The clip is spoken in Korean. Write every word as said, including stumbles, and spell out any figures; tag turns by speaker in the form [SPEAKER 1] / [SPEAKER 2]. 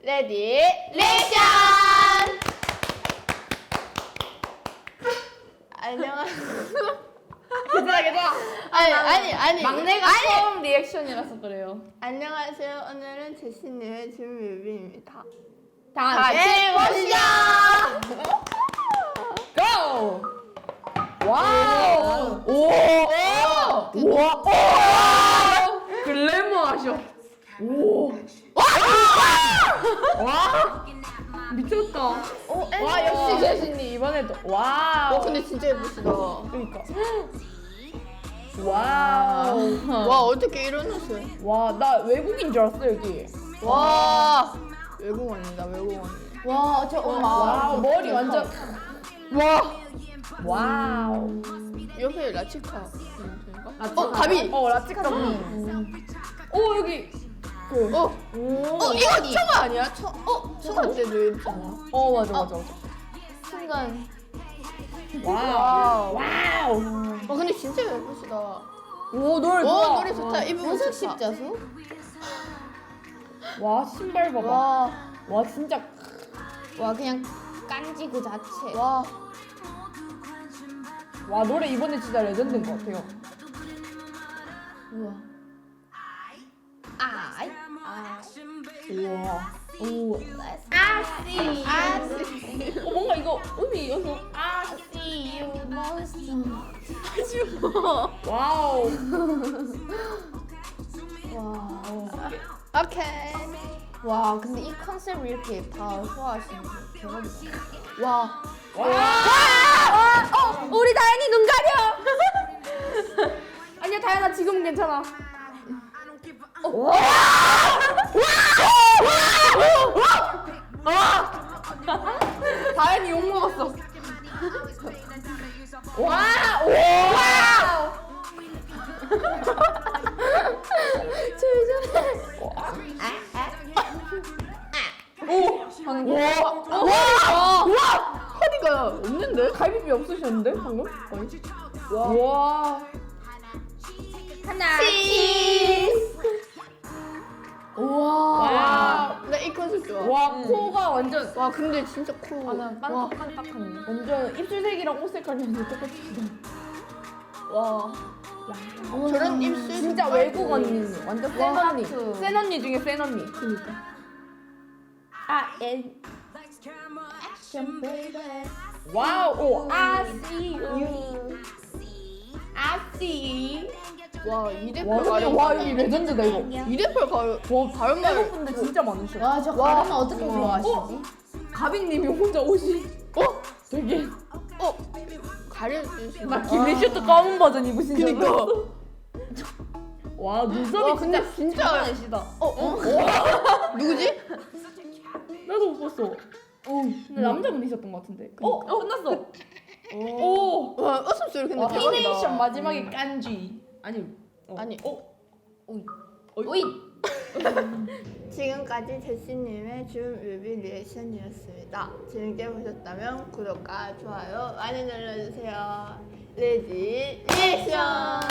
[SPEAKER 1] 레디 리액션! 안녕하세요.
[SPEAKER 2] 괜찮아 괜찮아.
[SPEAKER 1] 아니 아니 아니
[SPEAKER 2] 막내가
[SPEAKER 1] 아니.
[SPEAKER 2] 처음 리액션이라서 그래요.
[SPEAKER 1] 안녕하세요. 오늘은 제시님의 준뮤비입니다.
[SPEAKER 2] 다
[SPEAKER 1] 같이 보시죠.
[SPEAKER 2] 고! 와우! 오! 오! 와! 오! 글래머하셔. 오! 와! 와! 미쳤다.
[SPEAKER 1] 어,
[SPEAKER 2] 와 역시 제신님 이번에도 와우.
[SPEAKER 1] 어 근데 진짜 예쁘시다.
[SPEAKER 2] 그러니까. 와우.
[SPEAKER 1] 와 어떻게 이런 옷을?
[SPEAKER 2] 와 나 외국인 줄 알았어 여기.
[SPEAKER 1] 와 외국 언니다 외국 언니.
[SPEAKER 3] 와, 저 엄마.
[SPEAKER 2] 와우 머리 완전.
[SPEAKER 1] 와
[SPEAKER 2] 와우.
[SPEAKER 1] 옆에 라치카.
[SPEAKER 2] 라치카.
[SPEAKER 1] 어 가비.
[SPEAKER 2] 어 라치카 언니. 오 여기. 그.
[SPEAKER 1] 어.
[SPEAKER 2] 오.
[SPEAKER 1] 어 이거 청아 아니야? 청. 어 청아 때도 이랬잖아.
[SPEAKER 2] 어 맞아 맞아 맞아.
[SPEAKER 3] 순간.
[SPEAKER 2] 와우. 와우.
[SPEAKER 1] 어 근데 진짜 예쁘시다.
[SPEAKER 2] 오 노래
[SPEAKER 1] 오
[SPEAKER 2] 좋아.
[SPEAKER 1] 노래 좋다. 이분
[SPEAKER 3] 무슨
[SPEAKER 1] 좋다.
[SPEAKER 3] 십자수?
[SPEAKER 2] 와 신발 봐봐.
[SPEAKER 1] 와.
[SPEAKER 2] 와 진짜.
[SPEAKER 3] 와, 그냥 깐지 그 자체.
[SPEAKER 1] 와.
[SPEAKER 2] 와 노래 이번에 진짜 레전드인 것 같아요.
[SPEAKER 3] 우와. 아이. 아.
[SPEAKER 2] 우와. 오.
[SPEAKER 3] 아씨.
[SPEAKER 1] 아씨.
[SPEAKER 2] 어 뭔가 이거 음이 여기서.
[SPEAKER 3] 아씨, you monster.
[SPEAKER 1] 아쉬워.
[SPEAKER 2] 와우.
[SPEAKER 3] 와.
[SPEAKER 1] 오케이.
[SPEAKER 3] 와, 근데 이 컨셉을 이렇게 다 소화하시는 거 대박이다.
[SPEAKER 1] 와.
[SPEAKER 2] 와.
[SPEAKER 3] 어, 우리 다현이 눈 가려.
[SPEAKER 2] 아니야 다현아 지금은 괜찮아. 다현이 욕 먹었어. 와. 와. 오. 방금. 와.
[SPEAKER 1] 와. 와. 허리가 없는데?
[SPEAKER 2] 갈비뼈 없으셨는데 방금? 거의. 와. 와.
[SPEAKER 3] 하나.
[SPEAKER 1] 우와.
[SPEAKER 2] 와.
[SPEAKER 1] 나 이 컨셉 좋아.
[SPEAKER 2] 와 코가 완전.
[SPEAKER 1] 와 근데 진짜 코.
[SPEAKER 2] 아나
[SPEAKER 1] 와.
[SPEAKER 2] 빤딱빤딱하네. 완전 입술색이랑 옷색깔이 완전 똑같으시다.
[SPEAKER 1] 와. 저런 입술
[SPEAKER 2] 진짜 외국 언니. 완전 센
[SPEAKER 3] 와,
[SPEAKER 2] 언니.
[SPEAKER 3] 하트.
[SPEAKER 2] 센 언니 중에 센 언니.
[SPEAKER 1] 그니까.
[SPEAKER 2] 아 엔. 와우. 오. I see you. I see.
[SPEAKER 1] 와 이대표
[SPEAKER 2] 와 근데
[SPEAKER 1] 가령.
[SPEAKER 2] 와 이게 레전드다 이거.
[SPEAKER 1] 이대표 가령. 와 다른 말.
[SPEAKER 2] 외국분들 진짜 많으셔.
[SPEAKER 3] 와, 저
[SPEAKER 1] 와.
[SPEAKER 3] 가르마 어떻게
[SPEAKER 2] 와.
[SPEAKER 3] 좋아하시지?
[SPEAKER 2] 가빈님이 혼자 옷이. 어? 되게.
[SPEAKER 1] 어 가려주시.
[SPEAKER 2] 나 길리슈트 검은 버전 입으신 줄
[SPEAKER 1] 그니까.
[SPEAKER 2] 알았어. 와 눈썹이
[SPEAKER 1] 와 근데
[SPEAKER 2] 진짜
[SPEAKER 1] 진짜.
[SPEAKER 2] 많으시다.
[SPEAKER 1] 어 어. 누구지?
[SPEAKER 2] 나도 못 봤어. 어, 근데 남자분이셨던 것 같은데. 어, 어 끝났어. 오.
[SPEAKER 1] 와 웃음소리 근데
[SPEAKER 2] 와,
[SPEAKER 1] 대박이다.
[SPEAKER 2] 피네이션 마지막에 깐지. 아니. 어.
[SPEAKER 1] 아니.
[SPEAKER 2] 어.
[SPEAKER 3] 오이.
[SPEAKER 2] 오이.
[SPEAKER 1] 지금까지 제시님의 준 뮤비 리액션이었습니다. 재밌게 보셨다면 구독과 좋아요 많이 눌러주세요. 레디 리액션!